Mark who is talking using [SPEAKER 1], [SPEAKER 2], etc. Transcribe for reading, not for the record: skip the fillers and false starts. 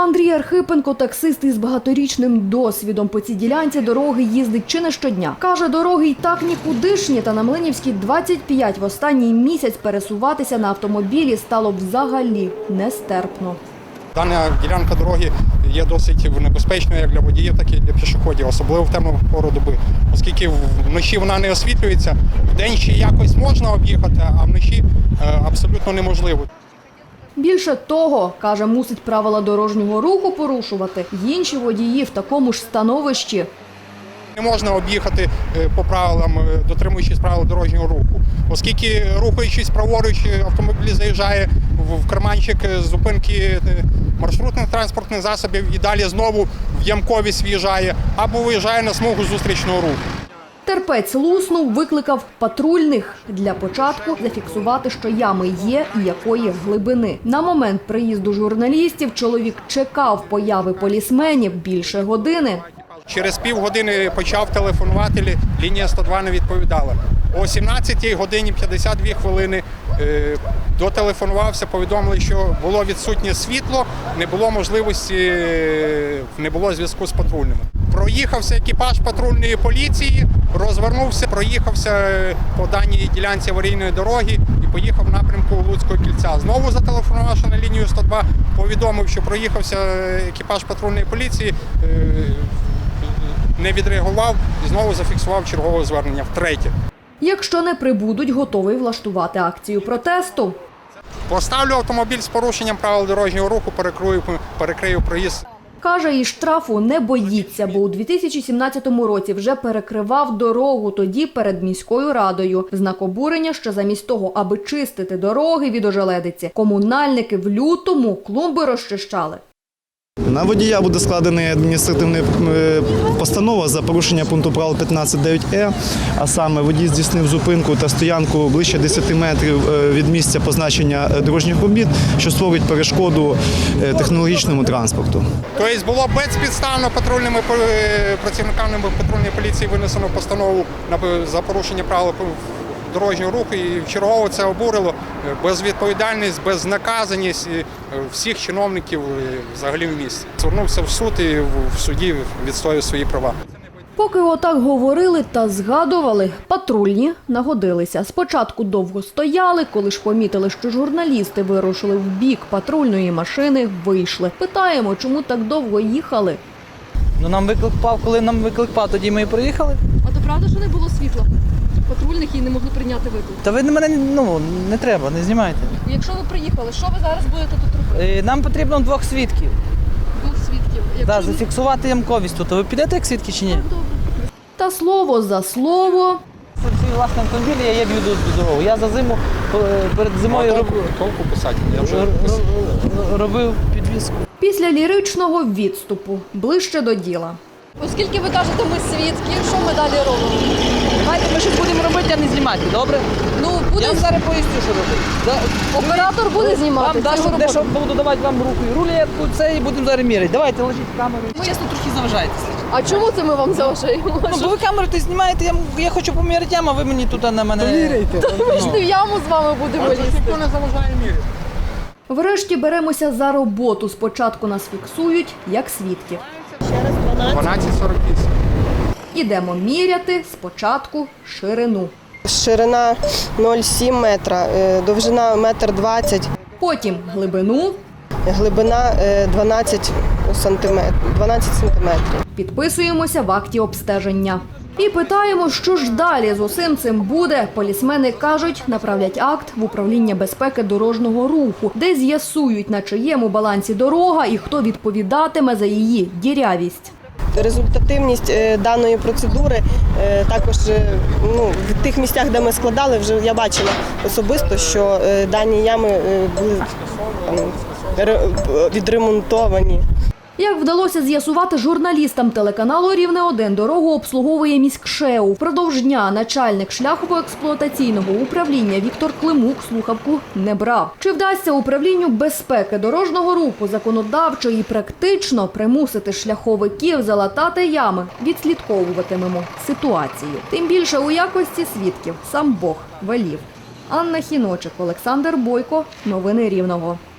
[SPEAKER 1] Андрій Архипенко – таксист із багаторічним досвідом. По цій ділянці дороги їздить чи не щодня. Каже, дороги й так нікудишні, та на Млинівській 25 в останній місяць пересуватися на автомобілі стало взагалі нестерпно.
[SPEAKER 2] Дана ділянка дороги є досить небезпечною як для водіїв, так і для пішоходів, особливо в темну пору доби. Оскільки вночі вона не освітлюється, вдень ще якось можна об'їхати, а вночі абсолютно неможливо.
[SPEAKER 1] Більше того, каже, мусить правила дорожнього руху порушувати інші водії в такому ж становищі.
[SPEAKER 2] Не можна об'їхати по правилам, дотримуючись правил дорожнього руху. Оскільки, рухаючись праворуч, автомобіль заїжджає в карманчик зупинки маршрутних транспортних засобів і далі знову в ямковість в'їжджає або виїжджає на смугу зустрічного руху.
[SPEAKER 1] Терпець луснув, викликав патрульних. Для початку зафіксувати, що ями є і якої глибини. На момент приїзду журналістів чоловік чекав появи полісменів більше години.
[SPEAKER 2] Через півгодини почав телефонувати, лінія 102 не відповідала. О 17 годині 52 хвилини дотелефонувався, повідомили, що було відсутнє світло, не було можливості, не було зв'язку з патрульними. Проїхався екіпаж патрульної поліції, розвернувся, проїхався по даній ділянці аварійної дороги і поїхав в напрямку Луцького кільця. Знову зателефонувавши на лінію 102, повідомив, що проїхався екіпаж патрульної поліції, не відреагував і знову зафіксував чергове звернення втретє.
[SPEAKER 1] Якщо не прибудуть, готовий влаштувати акцію протесту.
[SPEAKER 2] Поставлю автомобіль з порушенням правил дорожнього руху, перекрию проїзд.
[SPEAKER 1] Каже, і штрафу не боїться, бо у 2017 році вже перекривав дорогу тоді перед міською радою. В знак обурення, що замість того, аби чистити дороги від ожеледиці, комунальники в лютому клумби розчищали.
[SPEAKER 3] На водія буде складена адміністративна постанова за порушення пункту правил 15.9е, а саме водій здійснив зупинку та стоянку ближче 10 метрів від місця позначення дорожніх робіт, що створить перешкоду технологічному транспорту.
[SPEAKER 2] Тобто було безпідставно патрульними працівниками патрульної поліції винесено постанову за порушення правил дорожнього руху, і чергово це обурило. Безвідповідальність, безнаказаність всіх чиновників взагалі в місті. Звернувся в суд і в суді відстоював свої права.
[SPEAKER 1] Поки отак говорили та згадували, патрульні нагодилися. Спочатку довго стояли, коли ж помітили, що журналісти вирушили в бік патрульної машини, вийшли. Питаємо, чому так довго їхали.
[SPEAKER 4] Ну, нам виклик пав, коли нам виклик пав, тоді ми і приїхали.
[SPEAKER 5] А то правда, що не було світла? Патрульних і не могли прийняти виклик?
[SPEAKER 4] Та ви мене, не треба, не знімайте.
[SPEAKER 5] Якщо ви приїхали, що ви зараз будете тут робити?
[SPEAKER 4] Нам потрібно 2 свідків.
[SPEAKER 5] 2 свідків.
[SPEAKER 4] Так, зафіксувати ямковість тут. А ви підете як свідки чи ні?
[SPEAKER 1] Та слово за слово.
[SPEAKER 4] Це свій власний автомобіль, я їду дорогу. Я за зиму, перед зимою робив підвізку.
[SPEAKER 1] Після ліричного відступу ближче до діла.
[SPEAKER 5] Оскільки ви кажете, ми свідки, що ми далі робимо?
[SPEAKER 4] Давайте ми щось будемо робити, а не знімати, добре?
[SPEAKER 5] Ну,
[SPEAKER 4] Я вам зараз поясню, що робити.
[SPEAKER 5] оператор буде знімати.
[SPEAKER 4] Вам дещо буду давати вам руку і рулетку, це і будемо зараз міряти. Давайте, ложіть камеру. Ви чесно трохи заважаєте.
[SPEAKER 5] А чому це ми вам заважаємо?
[SPEAKER 4] Ну, бо ви камеру ти знімаєте, я хочу поміряти яму, а ви мені тут на мене... Поміряйте.
[SPEAKER 5] Ми ж не в яму з вами будемо лізти.
[SPEAKER 2] Ніхто не заважає міряти.
[SPEAKER 1] Врешті беремося за роботу. Спочатку нас фіксують як свідків.
[SPEAKER 2] 12:48.
[SPEAKER 1] Ідемо міряти спочатку ширину.
[SPEAKER 6] Ширина 0,7 метра, довжина 1,20 м.
[SPEAKER 1] Потім глибину.
[SPEAKER 6] Глибина 12 сантиметрів.
[SPEAKER 1] Підписуємося в акті обстеження. І питаємо, що ж далі з усім цим буде. Полісмени кажуть, направлять акт в управління безпеки дорожнього руху, де з'ясують, на чиєму балансі дорога і хто відповідатиме за її дірявість.
[SPEAKER 6] Результативність даної процедури також в тих місцях, де ми складали, вже я бачила особисто, що дані ями були відремонтовані.
[SPEAKER 1] Як вдалося з'ясувати журналістам телеканалу «Рівне-1», дорогу обслуговує міськшеу. Впродовж дня начальник шляхово-експлуатаційного управління Віктор Климук слухавку не брав. Чи вдасться управлінню безпеки дорожнього руху законодавчо і практично примусити шляховиків залатати ями? Відслідковуватимемо ситуацію. Тим більше у якості свідків сам Бог велів. Анна Хіночик, Олександр Бойко. Новини Рівного.